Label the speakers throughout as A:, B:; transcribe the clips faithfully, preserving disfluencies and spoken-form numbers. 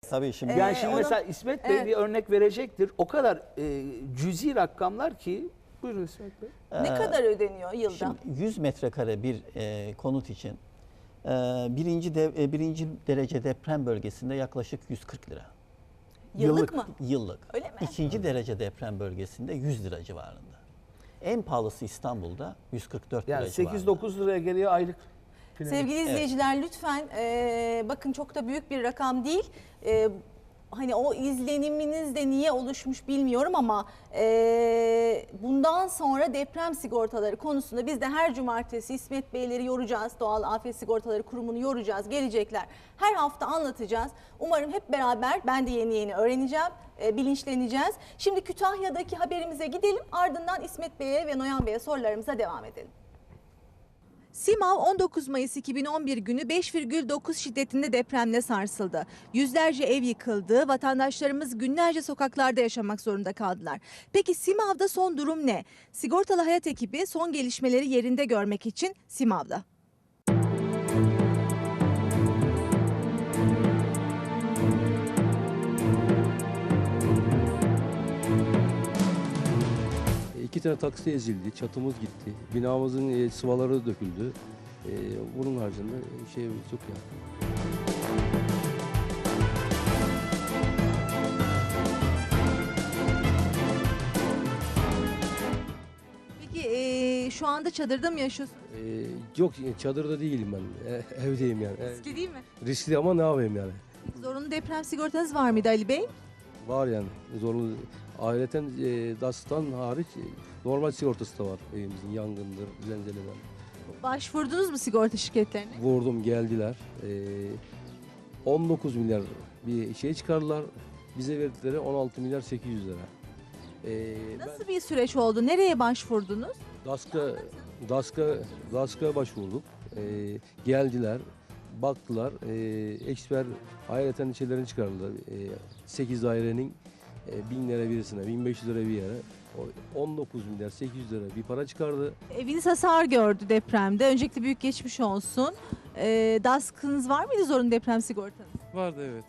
A: Tabii şimdi.
B: Ee,
C: Yani şimdi
B: onu-
C: mesela İsmet Bey
B: Evet.
C: bir örnek verecektir. O kadar e, cüzi rakamlar ki. Buyurun İsmet Bey.
B: Ne kadar ödeniyor yılda?
A: Şimdi yüz metrekare bir e, konut için e, birinci, de, e, birinci derece deprem bölgesinde yaklaşık yüz kırk lira.
B: Yıllık,
C: yıllık.
B: mı?
A: Yıllık.
B: Öyle mi?
A: İkinci derece deprem bölgesinde yüz lira civarında. En pahalısı İstanbul'da yüz kırk dört lira
C: Yani
A: civarında.
C: sekiz dokuz liraya geliyor aylık. Final.
B: Sevgili izleyiciler lütfen e, bakın çok da büyük bir rakam değil. E, hani o izleniminiz de niye oluşmuş bilmiyorum ama e, bundan sonra deprem sigortaları konusunda biz de her cumartesi İsmet Beyleri yoracağız. Doğal Afet Sigortaları Kurumu'nu yoracağız. Gelecekler. Her hafta anlatacağız. Umarım hep beraber ben de yeni yeni öğreneceğim. E, bilinçleneceğiz. Şimdi Kütahya'daki haberimize gidelim. Ardından İsmet Bey'e ve Noyan Bey'e sorularımıza devam edelim. Simav on dokuz Mayıs iki bin on bir günü beş virgül dokuz şiddetinde depremle sarsıldı. Yüzlerce ev yıkıldı, vatandaşlarımız günlerce sokaklarda yaşamak zorunda kaldılar. Peki Simav'da son durum ne? Sigortalı Hayat ekibi son gelişmeleri yerinde görmek için Simav'da.
D: İki tane taksi ezildi, çatımız gitti, binamızın e, sıvaları döküldü. E, bunun haricinde şey yok yani.
B: Peki e, şu anda çadırda mı yaşıyorsunuz?
D: E, yok çadırda değilim ben, e, evdeyim yani. E,
B: Riskli değil mi?
D: riskli ama ne yapayım yani.
B: Peki, zorunlu deprem sigortanız var mıydı Ali Bey?
D: Var yani zorunlu. Ayrıca e, DAS'tan hariç e, normal sigortası da var evimizin, yangındır, zelzeleden.
B: Başvurdunuz mu sigorta şirketlerine?
D: Vurdum geldiler. E, on dokuz milyar bir şey çıkardılar. Bize verdikleri on altı milyar sekiz yüz lira. E, ben-
B: Nasıl bir süreç oldu? Nereye başvurdunuz?
D: DASK'a DASK'a DASK'a başvurduk. Ee, geldiler, baktılar. Ee, eksper ayrıca şeylerini çıkardılar. Ee, sekiz dairenin e, bin lira birisine, bin beş yüz lira bir yere. O on dokuz milyar sekiz yüz lira bir para çıkardı.
B: Eviniz hasar gördü depremde. Öncelikle büyük geçmiş olsun. Ee, DASK'ınız var mıydı zorunlu deprem sigortanız?
E: Vardı evet.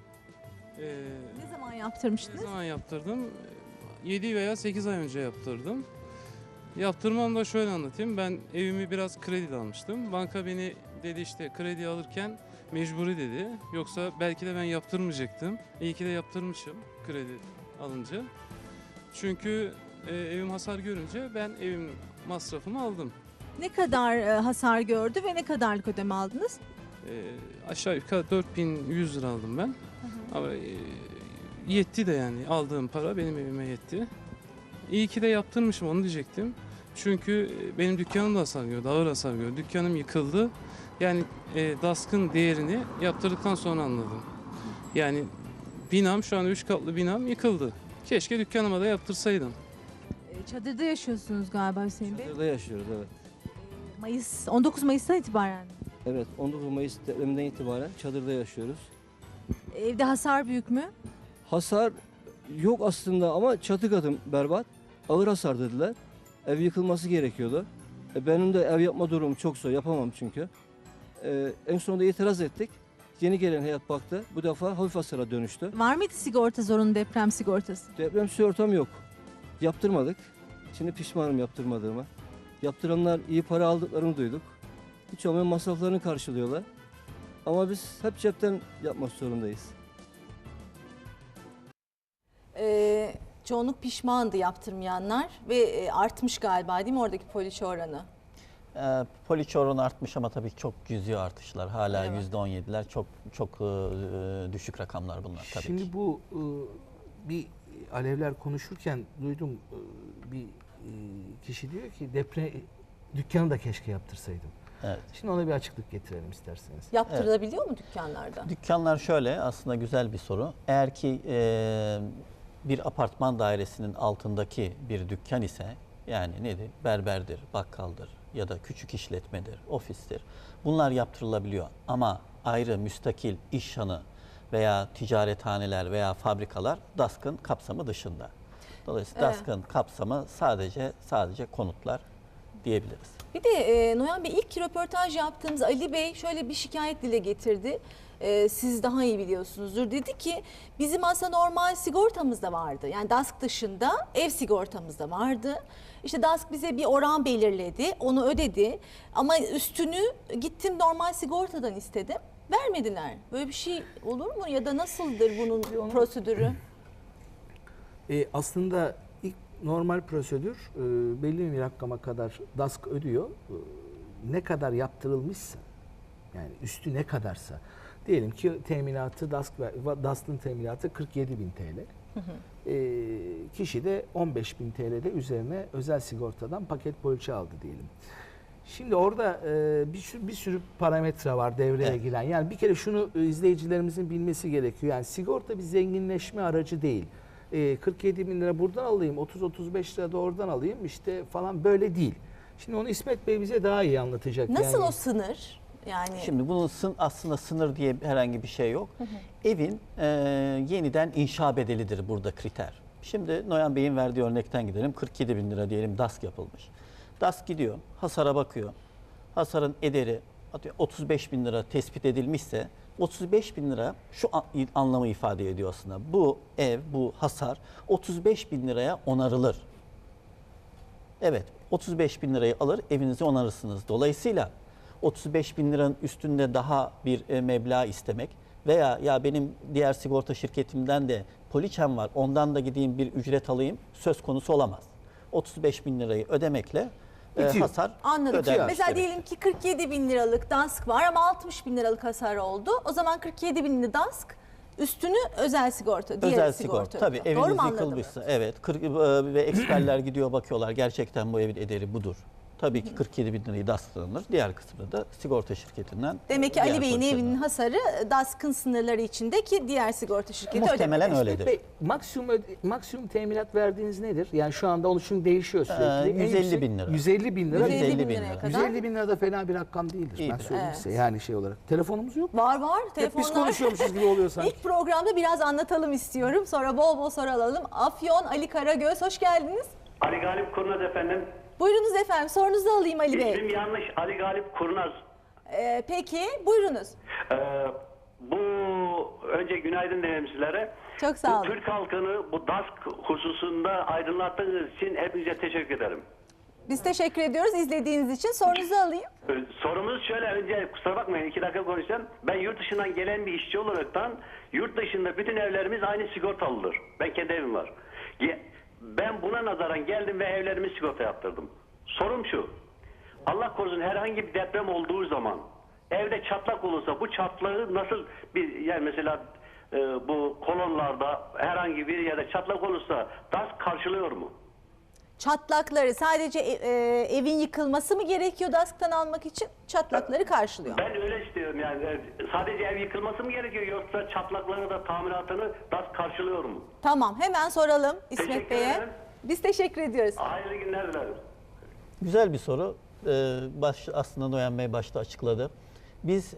E: Ee,
B: Ne zaman
E: ne
B: yaptırmıştınız?
E: zaman yaptırdım? yedi veya sekiz ay önce yaptırdım. Yaptırmam da şöyle anlatayım. Ben evimi biraz kredi almıştım. Banka beni dedi işte kredi alırken mecburi dedi. Yoksa belki de ben yaptırmayacaktım. İyi ki de yaptırmışım kredi alınca. Çünkü e, evim hasar görünce ben evim masrafımı aldım.
B: Ne kadar e, hasar gördü ve ne kadarlık ödeme aldınız?
E: E, aşağı yukarı dört bin yüz lira aldım ben. Ama e, yetti de yani aldığım para benim evime yetti. İyi ki de yaptırmışım onu diyecektim. Çünkü benim dükkanım da hasar gördü, ağır hasar gördü. Dükkanım yıkıldı. Yani e, DASK'ın değerini yaptırdıktan sonra anladım. Yani binam şu an üç katlı binam yıkıldı. Keşke dükkanıma da yaptırsaydım.
B: Ee, Çadırda yaşıyorsunuz galiba Hüseyin Bey.
F: Çadırda yaşıyoruz, evet.
B: Mayıs, on dokuz Mayıs'tan itibaren.
F: Evet, on dokuz Mayıs depreminden itibaren çadırda yaşıyoruz.
B: Evde hasar büyük mü?
F: Hasar yok aslında ama çatı katım berbat. Ağır hasar dediler. Ev yıkılması gerekiyordu. E, benim de ev yapma durumum çok zor, yapamam çünkü. E, en sonunda itiraz ettik. Yeni gelen heyet baktı. Bu defa hafif hasara dönüştü.
B: Var mıydı sigorta, zorunlu deprem sigortası?
F: Deprem sigortam yok. Yaptırmadık. Şimdi pişmanım yaptırmadığıma. Yaptıranlar iyi para aldıklarını duyduk. Hiç olmayan masraflarını karşılıyorlar. Ama biz hep cepten yapmak zorundayız.
B: Ee, çoğunluk pişmandı yaptırmayanlar ve e, artmış galiba değil mi oradaki poliçe oranı?
A: E, poliçe oranı artmış ama tabii çok cüzi artışlar. Hala
B: Evet.
A: yüzde on yediler. Çok çok e, düşük rakamlar bunlar tabii
C: Şimdi
A: ki.
C: bu e, bir alevler konuşurken duydum e, bir e, kişi diyor ki deprem dükkanı da keşke yaptırsaydım.
A: Evet.
C: Şimdi ona bir açıklık getirelim isterseniz.
B: Yaptırılabiliyor mu dükkanlarda?
A: Dükkanlar şöyle, aslında güzel bir soru. Eğer ki e, bir apartman dairesinin altındaki bir dükkan ise, yani nedir? Berberdir, bakkaldır ya da küçük işletmedir, ofistir. Bunlar yaptırılabiliyor ama ayrı müstakil iş hanı veya ticarethaneler veya fabrikalar DASK'ın kapsamı dışında. Dolayısıyla
B: Evet.
A: DASK'ın kapsamı sadece sadece konutlar. diyebiliriz.
B: Bir de e, Noyan Bey, ilk röportaj yaptığımız Ali Bey şöyle bir şikayet dile getirdi. E, siz daha iyi biliyorsunuzdur. Dedi ki bizim aslında normal sigortamız da vardı. Yani D A S K dışında ev sigortamız da vardı. İşte D A S K bize bir oran belirledi, onu ödedi. Ama üstünü gittim normal sigortadan istedim. Vermediler. Böyle bir şey olur mu ya da nasıldır bunun
C: Onu-
B: prosedürü?
C: E, aslında ilk normal prosedür e, belli bir rakama kadar D A S K ödüyor. E, ne kadar yaptırılmışsa, yani üstü ne kadarsa. Diyelim ki teminatı D A S K ve D A S K'ın teminatı kırk yedi bin T L. E, kişi de on beş bin T L'de üzerine özel sigortadan paket poliçe aldı diyelim. Şimdi orada e, bir, sürü, bir sürü parametre var devreye
A: Evet.
C: giren. Yani bir kere şunu e, izleyicilerimizin bilmesi gerekiyor. Yani sigorta bir zenginleşme aracı değil. E, kırk yedi bin lira buradan alayım, otuz otuz beş lira da oradan alayım işte falan, böyle değil. Şimdi onu İsmet Bey bize daha iyi anlatacak.
B: Nasıl
C: yani.
B: o sınır? Yani
A: Şimdi bunun sın, aslında sınır diye herhangi bir şey yok. Evin e, yeniden inşa bedelidir burada kriter. Şimdi Noyan Bey'in verdiği örnekten gidelim. kırk yedi bin lira diyelim D A S K yapılmış. D A S K gidiyor, hasara bakıyor. Hasarın ederi otuz beş bin lira tespit edilmişse otuz beş bin lira şu an- anlamı ifade ediyor aslında. Bu ev, bu hasar otuz beş bin liraya onarılır. Evet, otuz beş bin lirayı alır, evinizi onarırsınız. Dolayısıyla otuz beş bin liranın üstünde daha bir e, meblağ istemek veya ya benim diğer sigorta şirketimden de poliçem var, ondan da gideyim bir ücret alayım söz konusu olamaz. otuz beş bin lirayı ödemekle e,
C: Bitiyor.
A: hasar
B: anladım.
A: ödenmiş
B: Mesela
A: demek.
B: diyelim ki kırk yedi bin liralık D A S K var ama altmış bin liralık hasar oldu. O zaman kırk yedi binli D A S K üstünü özel sigorta, diğer
A: Özel
B: sigorta.
A: sigorta. Tabii
B: ödüyor. Doğru
A: eviniz
B: mu anladım?
A: yıkılmışsa evet kırk, e, ve eksperler gidiyor bakıyorlar gerçekten bu evin ederi budur. Tabii ki kırk yedi bin lirayı D A S K'lanır. Diğer kısmını da sigorta şirketinden.
B: Demek ki
A: diğer
B: Ali Bey'in
A: poliçeden.
B: evinin hasarı D A S K'ın sınırları içindeki diğer sigorta şirketi
A: Muhtemelen
B: ödemedi.
A: öyledir.
C: Peki, maksimum öde- maksimum teminat verdiğiniz nedir? Yani şu anda onun çünkü değişiyor sürekli.
A: Ee,
C: En
A: yüz elli
C: yüksek-
A: bin lira.
C: yüz elli bin lira.
B: yüz elli bin
A: yüz elli bin
B: liraya
A: lira.
B: kadar.
C: yüz elli bin lira da fena bir rakam değildir. Ben
A: İyidir.
C: söyleyeyim
B: Evet.
C: size yani şey olarak. Telefonumuz yok mu?
B: Var var.
C: Hep biz
B: Telefonlar.
C: konuşuyormuşuz gibi oluyor sanki.
B: İlk programda biraz anlatalım istiyorum. Sonra bol bol soru alalım. Afyon Ali Karagöz, hoş geldiniz.
G: Ali Galip Kurnaz efendim.
B: Buyurunuz efendim, sorunuzu alayım Ali Bey.
G: İsmim yanlış. Ali Galip Kurnaz.
B: Ee, peki, buyurunuz.
G: Ee, bu önce günaydın dilerim sizlere.
B: Çok sağ
G: Bu
B: olun.
G: Türk halkını bu D A S K hususunda aydınlattığınız için hepinize teşekkür ederim.
B: Biz teşekkür ediyoruz izlediğiniz için. Sorunuzu alayım.
G: Ee, Sorumuz şöyle, önce kusura bakmayın iki dakika konuşacağım. Ben yurt dışından gelen bir işçi olaraktan yurt dışında bütün evlerimiz aynı sigortalıdır. Ben kendi evim var. Ge- Ben buna nazaran geldim ve evlerimi sigorta yaptırdım. Sorum şu. Allah korusun herhangi bir deprem olduğu zaman evde çatlak olursa bu çatlağı nasıl bir, yani mesela e, bu kolonlarda herhangi bir yerde çatlak olursa D A S K karşılıyor mu?
B: Çatlakları sadece e, e, evin yıkılması mı gerekiyor D A S K'tan almak için? Çatlakları karşılıyor.
G: Ben öyle istiyorum yani. E, Sadece ev yıkılması mı gerekiyor yoksa çatlakları da tamiratını D A S K karşılıyor mu?
B: Tamam, hemen soralım İsmet
G: Teşekkür
B: Bey'e.
G: ederim.
B: Biz teşekkür ediyoruz.
G: Hayırlı günler dilerim.
A: Güzel bir soru. Ee, baş, aslında Noyan Bey başta açıkladı. Biz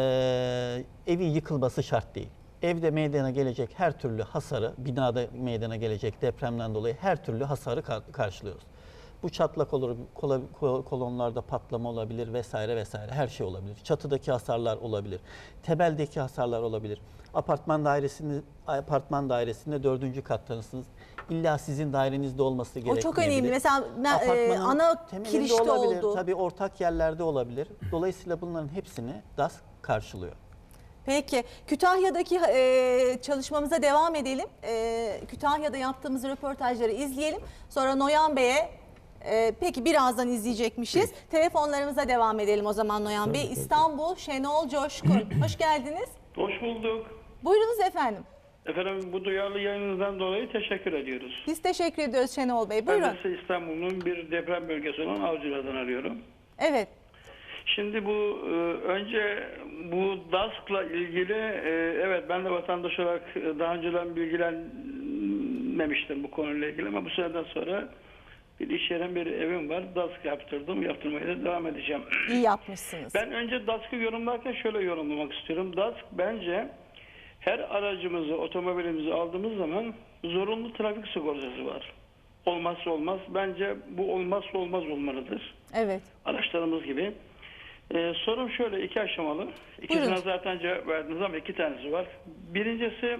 A: ee, evin yıkılması şart değil. Evde meydana gelecek her türlü hasarı, binada meydana gelecek depremden dolayı her türlü hasarı kar- karşılıyoruz. Bu çatlak olur, kola- ko- kolonlarda patlama olabilir vesaire vesaire, her şey olabilir. Çatıdaki hasarlar olabilir, temeldeki hasarlar olabilir. Apartman dairesinde apartman dairesinde dördüncü kattanısınız. İlla sizin dairenizde olması
B: O
A: gerekmeyebilir.
B: çok önemli. Mesela me- e,
A: Apartmanın
B: ana
A: temelinde
B: kirişte
A: olabilir,
B: oldu.
A: tabii ortak yerlerde olabilir. Dolayısıyla bunların hepsini D A S K karşılıyor.
B: Peki, Kütahya'daki e, çalışmamıza devam edelim. E, Kütahya'da yaptığımız röportajları izleyelim. Sonra Noyan Bey'e, e, peki birazdan izleyecekmişiz. Telefonlarımıza devam edelim o zaman Noyan Bey. İstanbul, Şenol Coşkun. Hoş geldiniz.
H: Hoş bulduk.
B: Buyurunuz efendim.
H: Efendim bu duyarlı yayınınızdan dolayı teşekkür ediyoruz.
B: Biz teşekkür ediyoruz Şenol Bey.
H: Ben
B: Buyurun.
H: de size İstanbul'un bir deprem bölgesi olan Avcılar'dan arıyorum.
B: Evet.
H: Şimdi bu e, önce bu D A S K'la ilgili e, evet ben de vatandaş olarak e, daha önceden bilgilenmemiştim bu konuyla ilgili ama bu seneden sonra bir iş yerim, bir evim var. D A S K yaptırdım. Yaptırmaya da devam edeceğim.
B: İyi yapmışsınız.
H: Ben önce D A S K'ı yorumlarken şöyle yorumlamak istiyorum. D A S K bence her aracımızı, otomobilimizi aldığımız zaman zorunlu trafik sigortası var. olmazsa olmaz. Bence bu olmazsa olmaz olmalıdır.
B: Evet.
H: Araçlarımız gibi. Ee, sorum şöyle, iki aşamalı. İkisine
B: Buyurun.
H: zaten cevap verdiniz ama iki tanesi var. Birincisi,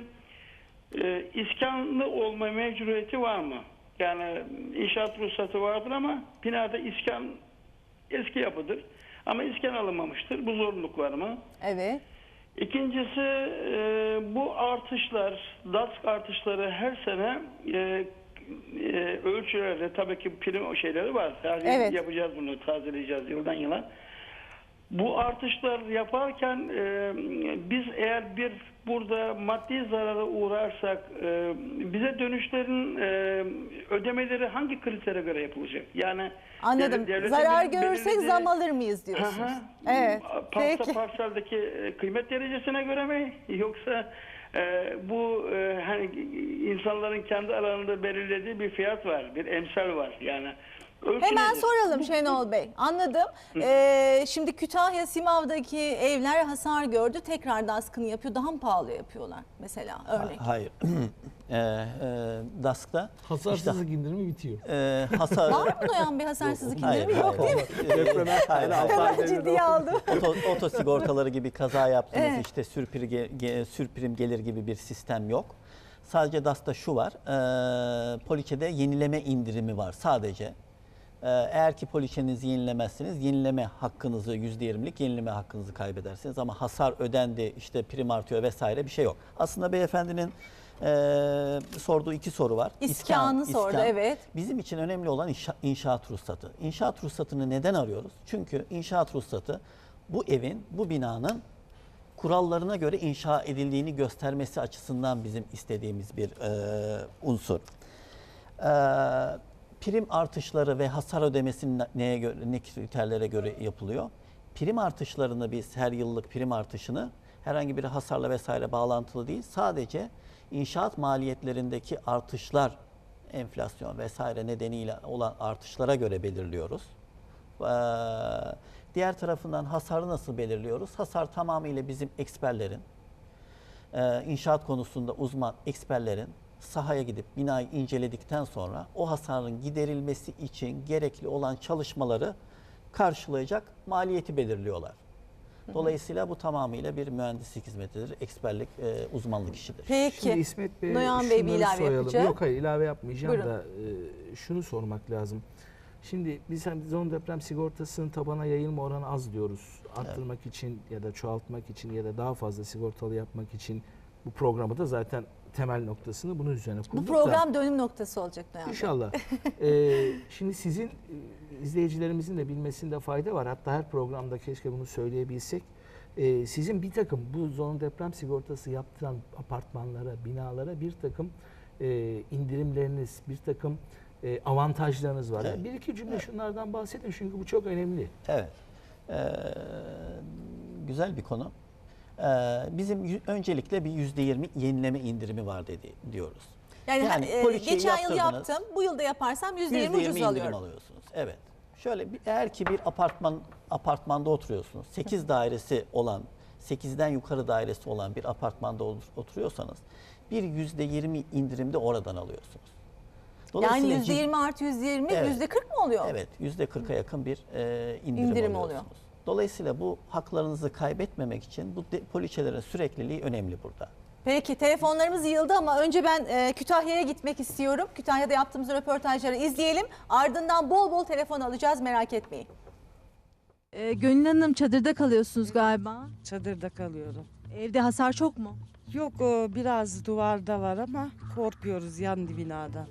H: e, iskanlı olma mecburiyeti var mı? Yani inşaat ruhsatı vardır ama binada iskan eski yapıdır. Ama iskan alınmamıştır. Bu zorunluluk var mı?
B: Evet.
H: İkincisi, e, bu artışlar, DASK artışları her sene e, e, ölçülerde tabii ki prim şeyleri var. Her yıl
B: Evet.
H: yapacağız bunu, tazeleyeceğiz yıldan yıla. Bu artışlar yaparken e, biz eğer bir burada maddi zarara uğrarsak e, bize dönüşlerin e, ödemeleri hangi kritere göre yapılacak? Yani
B: Anladım.
H: devletin
B: Zarar
H: belirlediği-
B: görürsek zam alır mıyız diyorsunuz?
H: Hı hı.
B: Evet.
H: Parsa
B: Peki.
H: parseldeki e, kıymet derecesine göre mi, yoksa e, bu e, hani insanların kendi alanında belirlediği bir fiyat var, bir emsal var yani. Ölçü
B: Hemen
H: nedir?
B: soralım Şenol Bey. Anladım. Ee, şimdi Kütahya Simav'daki evler hasar gördü. Tekrar DASK'ını yapıyor. Daha mı pahalı yapıyorlar mesela örnek?
A: Hayır. e, e, DASK'ta
C: Hasarsızlık indirimi bitiyor.
A: e, hasar...
B: Var mı Noyan Bey hasarsızlık
A: Hayır,
B: indirimi? Yok
A: hayır.
B: değil mi?
A: Depreme hayır, hayır.
B: Hemen ciddiye aldım.
A: Oto, oto sigortaları gibi kaza yaptınız,
B: Evet.
A: işte sürpri, ge- sürprim gelir gibi bir sistem yok. Sadece DASK'ta şu var, e, poliçede yenileme indirimi var sadece. E, eğer ki poliçenizi yenilemezseniz yenileme hakkınızı, yüzde yirmilik yenileme hakkınızı kaybedersiniz. Ama hasar ödendi, işte prim artıyor vesaire bir şey yok. Aslında beyefendinin e, sorduğu iki soru var.
B: İskanı sordu, evet.
A: Bizim için önemli olan inşa- inşaat ruhsatı. İnşaat ruhsatını neden arıyoruz? Çünkü inşaat ruhsatı bu evin, bu binanın kurallarına göre inşa edildiğini göstermesi açısından bizim istediğimiz bir e, unsur. E, prim artışları ve hasar ödemesi neye göre, ne kriterlere göre yapılıyor? Prim artışlarını biz her yıllık prim artışını herhangi bir hasarla vesaire bağlantılı değil, sadece inşaat maliyetlerindeki artışlar, enflasyon vesaire nedeniyle olan artışlara göre belirliyoruz. Ee, diğer tarafından hasarı nasıl belirliyoruz? Hasar tamamıyla bizim eksperlerin, e, inşaat konusunda uzman eksperlerin sahaya gidip binayı inceledikten sonra o hasarın giderilmesi için gerekli olan çalışmaları karşılayacak maliyeti belirliyorlar. Dolayısıyla bu tamamıyla bir mühendislik hizmetidir, eksperlik, e, uzmanlık işidir.
B: Peki.
C: Şimdi İsmet Bey,
B: Noyan Bey bir
C: şunları
B: ilave
C: soralım.
B: yapacak.
C: Yok hayır ilave yapmayacağım
B: Buyurun.
C: da e, şunu sormak lazım. Şimdi biz hem zon deprem sigortasının tabana yayılma oranı az diyoruz. Arttırmak için ya da çoğaltmak için ya da daha fazla sigortalı yapmak için bu programı da zaten temel noktasını bunun üzerine kurduk.
B: Bu
C: da-
B: program dönüm noktası olacak Noyan Bey.
C: İnşallah. Ee, şimdi sizin e, izleyicilerimizin de bilmesinde fayda var. Hatta her programda keşke bunu söyleyebilsek. Ee, sizin bir takım bu zon deprem sigortası yaptıran apartmanlara, binalara bir takım e, indirimleriniz, bir takım e, avantajlarınız var.
A: Evet.
C: Bir iki cümle şunlardan bahsedin çünkü bu çok önemli.
A: Evet. Ee, güzel bir konu. Ee, bizim yü- öncelikle bir yüzde yirmi yenileme indirimi var dedi diyoruz.
B: Yani,
A: Yani
B: e,
A: poliçeyi
B: geçen yıl
A: yaptırdınız.
B: yaptım. Bu yılda yaparsam yüzde yirmi
A: yüzde
B: ucuz
A: indirim
B: alıyorum.
A: alıyorsunuz. Evet. Şöyle bir, eğer ki bir apartman apartmanda oturuyorsunuz. sekiz dairesi olan, sekizden yukarı dairesi olan bir apartmanda ol- oturuyorsanız bir yüzde yirmi indirimde oradan alıyorsunuz.
B: Yani
A: cid-
B: yüzde yirmi artı yüzde yirmi,
A: Evet.
B: yüzde kırk mı oluyor?
A: Evet, yüzde kırka yakın bir e, indirim,
B: İndirim
A: alıyorsunuz.
B: oluyor.
A: Dolayısıyla bu haklarınızı kaybetmemek için bu de, poliçelerin sürekliliği önemli burada.
B: Peki telefonlarımız yığıldı ama önce ben e, Kütahya'ya gitmek istiyorum. Kütahya'da yaptığımız röportajları izleyelim. Ardından bol bol telefon alacağız, merak etmeyin.
I: Ee, Gönül Hanım çadırda kalıyorsunuz galiba.
J: Çadırda kalıyorum.
I: Evde hasar çok mu?
J: Yok o biraz duvarda var ama korkuyoruz yan binada.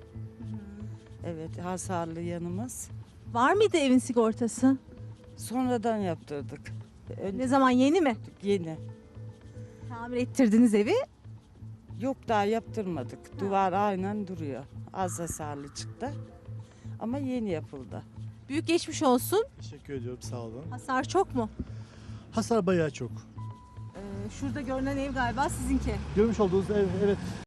J: Evet hasarlı yanımız.
I: Var mıydı evin sigortası?
J: Sonradan yaptırdık. Ön-
I: Ne zaman, yeni mi?
J: Yeni.
I: Tamir ettirdiniz evi.
J: Yok daha yaptırmadık. Duvar aynen duruyor. Az hasarlı çıktı. Ama yeni yapıldı.
I: Büyük geçmiş olsun.
K: Teşekkür ediyorum, sağ olun.
I: Hasar çok mu?
K: Hasar bayağı çok.
I: Ee, şurada görünen ev galiba sizinki.
K: Görmüş olduğunuz ev, evet,